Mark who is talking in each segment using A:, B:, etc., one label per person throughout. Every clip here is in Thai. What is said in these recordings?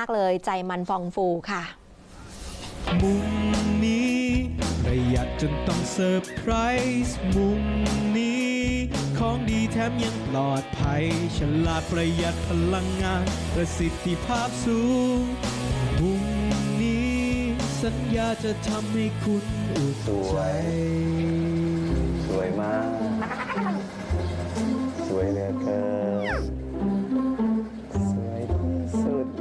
A: ากๆเลยใจมันฟองฟูค่ะ
B: มุมนี้ประหยัดจนต้องเซอร์ไพรส์มุมนี้ของดีแถมยังปลอดภัยฉลาดประหยัดพลังงานประสิทธิภาพสูงมุมนี้สัญญาจะทำให้คุณอุ่นใจ
C: สวยมากสวยเหลือเกินสวยที่สุด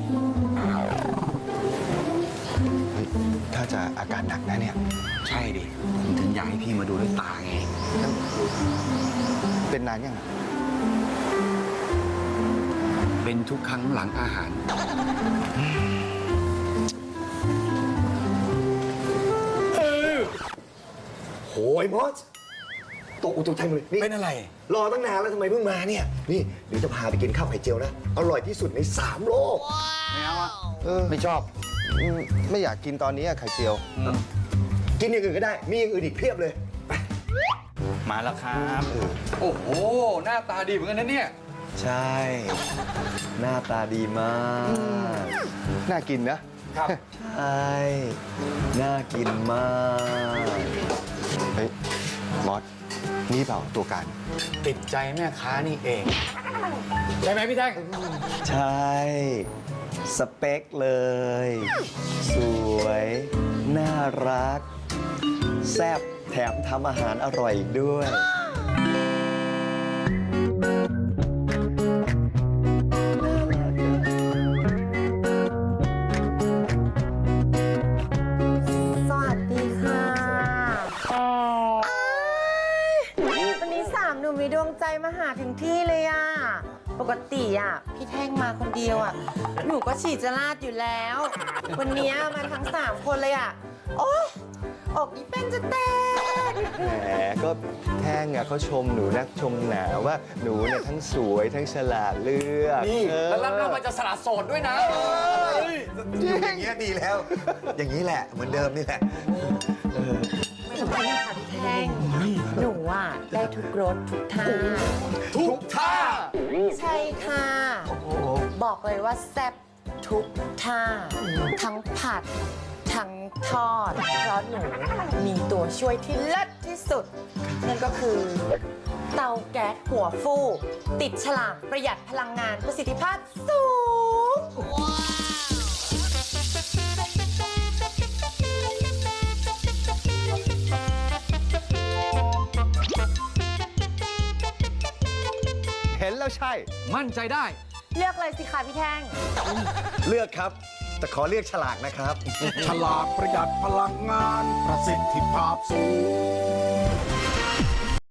C: ถ้าจะอาการหนักนะเนี่ย
D: ใช่ดิผมถึงอยากให้พี่มาดูด้วยตาไง
C: เป็นนานยัง
D: เป็นทุกครั้งหลังอาหาร
E: โอ้ยมอสตกใจหมดเลยนี่
D: เป็นอะไร
E: รอตั้งนานแล้วทำไมเพิ่งมาเนี่ยนี่เดี๋ยวจะพาไปกินข้าวไข่เจียวนะอร่อยที่สุดใน3 โลก
D: ไม่เอาอ่ะ
C: ไม่ชอบไม่อยากกินตอนนี้อะไข่เจียว
E: กินอย่างอื่นก็ได้มีอย่างอื่นอีกเพียบเลยไป
D: มาแล้วครับโอ้โหหน้าตาดีเหมือนกันนะเนี่ย
C: ใช่ หน้าตาดีมากน่ากินนะครับ ใช่น่ากินมากเฮ้ยมอสนี่เปล่าตัวการ
D: ติดใจแม่ค้านี่เอง ใช่ไหมพี่แท่ง
C: ใช่ สเปคเลย สวย น่ารัก แซ่บแถมทำอาหารอร่อยอีกด้วย
F: สวัสดีค่ะวันนี้3 หนุ่มมีดวงใจมาหาถึงที่เลยอ่ะ ปกติอ่ะ พี่แท่งมาคนเดียวอ่ะ หนูก็ฉีดจะลาดอยู่แล้ว วันนี้มาทั้ง3 คนเลยอ่ะ โอ๊ยอกอีเป็นจะแตก
C: แหมก็แท่งอะเขาชมหนูนักชมหนาว่าหนูเนี่ยทั้งสวยทั้งฉลาดเลือก
E: นี่
D: แล้วรับเรามาจะสละโสดด้วยนะ
E: อยู่อย่างเงี้ยดีแล้ว อย่างนี้แหละเหมือนเดิมนี่แหละ
F: ไม่ต้องไปค่ะพี่แท่ง หนูอ่ะได้ทุกรสทุกท่า
E: ทุกท่า
F: ใช่ค่ะ บอกเลยว่าแซ่บทุกท่า ทั้งผัด ทั้งทอด เพราะหนูมีตัวช่วยที่เลิศที่สุด นั่นก็คือ เตาแก๊สหัวฟูกติดฉลากประหยัดพลังงานประสิทธิภาพสูง
C: เห็นแล้วใช่
D: มั่นใจได้
F: เลือกเลยสิคะพี่แท่ง
E: เลือกครับ แต่ขอเลือกฉลากนะครับ
G: ฉลาดประหยัดพลังงานประสิทธิภาพสูง